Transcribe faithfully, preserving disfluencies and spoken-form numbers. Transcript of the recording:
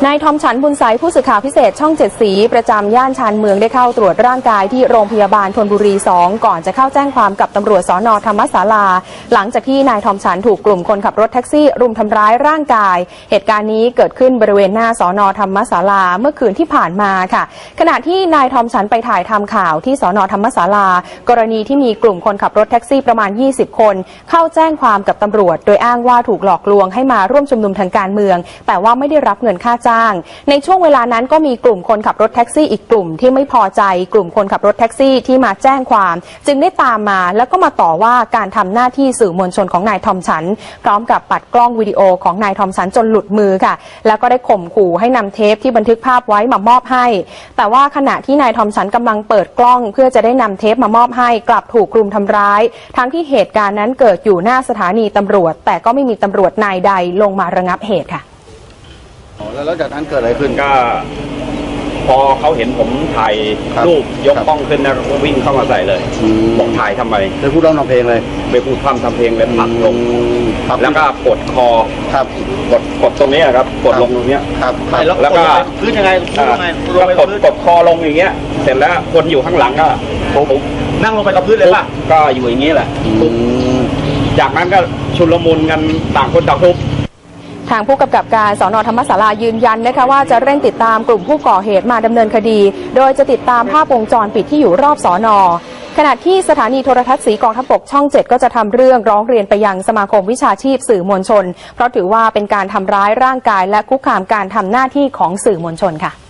นายทอมฉันบุญใสผู้สื่อข่าวพิเศษช่องเจ็ดสีประจำย่านชานเมืองได้เข้าตรวจร่างกายที่โรงพยาบาลธนบุรีสองก่อนจะเข้าแจ้งความกับตำรวจสน.ธรรมศาลาหลังจากที่นายทอมฉันถูกกลุ่มคนขับรถแท็กซี่รุมทำร้ายร่างกายเหตุการณ์นี้เกิดขึ้นบริเวณหน้าสน.ธรรมศาลาเมื่อคืนที่ผ่านมาค่ะขณะที่นายทอมฉันไปถ่ายทำข่าวที่สน.ธรรมศาลากรณีที่มีกลุ่มคนขับรถแท็กซี่ประมาณยี่สิบคนเข้าแจ้งความกับตำรวจโดยอ้างว่าถูกหลอกลวงให้มาร่วมชุมนุมทางการเมืองแต่ว่าไม่ได้รับเงินค่าจ้างในช่วงเวลานั้นก็มีกลุ่มคนขับรถแท็กซี่อีกกลุ่มที่ไม่พอใจกลุ่มคนขับรถแท็กซี่ที่มาแจ้งความจึงได้ตามมาแล้วก็มาต่อว่าการทำหน้าที่สื่อมวลชนของนายทอมฉันพร้อมกับปัดกล้องวิดีโอของนายทอมฉันจนหลุดมือค่ะแล้วก็ได้ข่มขู่ให้นำเทปที่บันทึกภาพไว้มามอบให้แต่ว่าขณะที่นายทอมฉันกำลังเปิดกล้องเพื่อจะได้นำเทปมามอบให้กลับถูกรุมทำร้ายทั้งที่เหตุการณ์นั้นเกิดอยู่หน้าสถานีตำรวจแต่ก็ไม่มีตำรวจนายใดลงมาระงับเหตุค่ะแล้วจากนั้นเกิดอะไรขึ้นก็พอเขาเห็นผมถ่ายรูปยกกล้องขึ้นนะก็วิ่งเข้ามาใส่เลยบอกถ่ายทำไมไปพูดร้องทำเพลงเลยไปพูดพร่ำทำเพลงเลยผลักลงแล้วก็กดคอครับกดกดตรงนี้ครับกดลงตรงนี้ครับแล้วก็พื้นยังไงก็กดกดคอลงอย่างเงี้ยเสร็จแล้วคนอยู่ข้างหลังก็ผมนั่งลงไปกับพื้นเลยป่ะก็อยู่อย่างนี้แหละจากนั้นก็ชุลมุนกันต่างคนต่างทุบทางผู้กำกับการสน.ธรรมศาลายืนยันนะคะว่าจะเร่งติดตามกลุ่มผู้ก่อเหตุมาดำเนินคดีโดยจะติดตามภาพวงจรปิดที่อยู่รอบสน.ขณะที่สถานีโทรทัศน์สีกองทัพบกช่องเจ็ดก็จะทำเรื่องร้องเรียนไปยังสมาคมวิชาชีพสื่อมวลชนเพราะถือว่าเป็นการทำร้ายร่างกายและคุกคามการทำหน้าที่ของสื่อมวลชนค่ะ